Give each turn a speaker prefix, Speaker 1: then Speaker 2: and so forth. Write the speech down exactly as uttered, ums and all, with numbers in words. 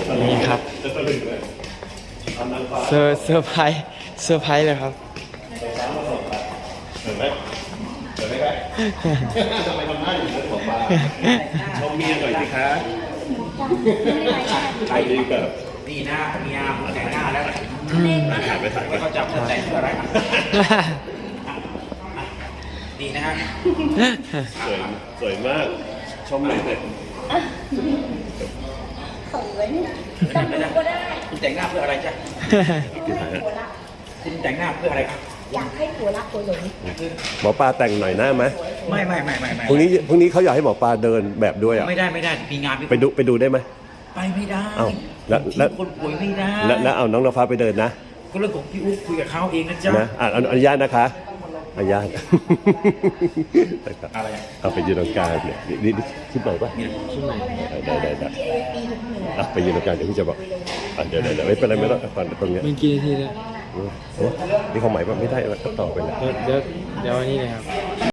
Speaker 1: นี่ครับเซอร์เซอร์ไพรส์เซอร์ไพรส์เลยครับ
Speaker 2: เห็นไหมเห็นไหมครับทำไมทำหน้าอยู่เลยบอกว่าชมเมียหน่อยสิคะใครดีเกิด
Speaker 3: นี่หน้าเมียแต่งหน้าแล้ว
Speaker 2: ถ่ายไปถ่ายไป
Speaker 3: เขาจับแต่งเพื่ออะไรดีนะฮะ
Speaker 2: สวยสวยมากชมหน่อยเถอะ
Speaker 4: เขินจำดูก็ได้
Speaker 3: คุณแต่งหน้าเพื่ออะไรจ๊ะ
Speaker 2: กี่ถ่ายฮะ
Speaker 3: คุณแต่งหน้าเพื่ออะไรครับ
Speaker 4: อยากให้ผัวรักผัวหลง
Speaker 2: หมอปลาแต่งหน่อยหน้าไหม
Speaker 3: ไม่ไม่ไม่ไม่ไม่
Speaker 2: พรุ่งนี้พรุ่งนี้เขาอยากให้หมอปลาเดินแบบด้วยอ่ะ
Speaker 3: ไม่ได้ไม่ได้มีงาน
Speaker 2: ไปดูไปดูได้ไหม
Speaker 3: ไปไม่ได้
Speaker 2: เอ้าแล้วแล้ว
Speaker 3: คนป่วยไม่ได้
Speaker 2: แล้วแล้วเอาน้องน้ำฟ้าไปเดินนะ
Speaker 3: ก็เรื่องของพี่อุ๊บคุยกับเขาเองนะจ๊ะ
Speaker 2: นะอ่ะอนุญาตนะคะอนุญาต
Speaker 3: อะไร
Speaker 2: เอาไปยืนตรงกลางเนี่ยนี่นี่ขึ้นไปป่ะ
Speaker 1: ขึ้นไหน
Speaker 2: ได้ได้ได้อ่ะไปยืนตรงกลางเดี๋ยวพี่จะบอกอ่ะเดี๋ยวเดี๋ยวไม่เป็นไรไม่ต้องก่อนตรงเนี้ย
Speaker 1: มีกี่นาทีแล้ว
Speaker 2: โอ้นี่เขาหมายว่าไม่ได้ก็ต่อไปเลย
Speaker 1: เดี๋ยวเดี๋ยวเดี๋ยวอันนี้เลยครับ